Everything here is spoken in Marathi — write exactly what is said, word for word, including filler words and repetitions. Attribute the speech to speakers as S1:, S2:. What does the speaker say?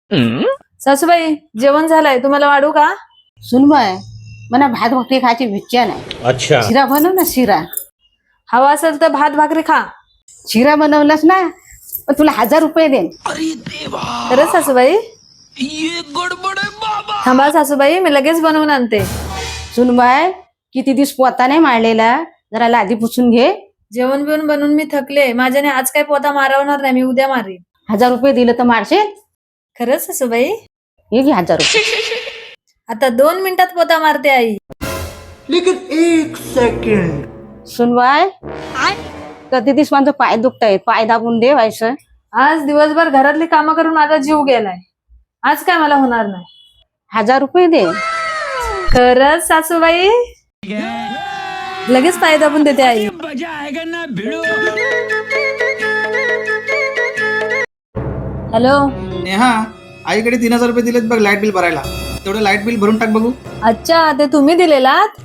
S1: सासूबाई जेवण झालंय, तुम्हाला वाढू का?
S2: सुनबाय, मला भात भाकरी खायची इच्छा नाही.
S3: अच्छा.
S2: शिरा बनव ना, शिरा.
S1: हवा असेल तर भात भाकरी खा.
S2: शिरा बनवलास ना, पण तुला हजार रुपये देईन.
S1: खरंच सासूबाई? थांबा सासूबाई, मी लगेच बनवून आणते.
S2: सुनबाय, किती दिवस पोता नाही मारलेला, जरा लादी पुसून घे.
S1: जेवण बिवून बनवून मी थकले, माझ्याने आज काही पोता मारवणार नाही, मी उद्या मारेन.
S2: हजार रुपये दिलं तर मारशील?
S1: खरंच सासूबाई?
S2: हे घे हजार रुपये.
S1: आता दोन मिनिटात पोता मारते आई.
S3: लेकिन एक सेकंड.
S2: सुनबाय, कधी दिवस माझं पाय दुखताय, पाय दाबून दे व्हायचं.
S1: आज दिवसभर घरातली कामं करून माझा जीव गेलाय, आज काय मला होणार नाही.
S2: हजार रुपये दे.
S1: खरंच सासूबाई? लगेच पाय दाबून देते आई. हॅलो.
S4: नेहा, आईकडे तीन हजार रुपये दिलेत बघ लाईट बिल भरायला. तेवढं लाईट बिल भरून टाक बघू.
S1: अच्छा, ते तुम्ही दिलेलात?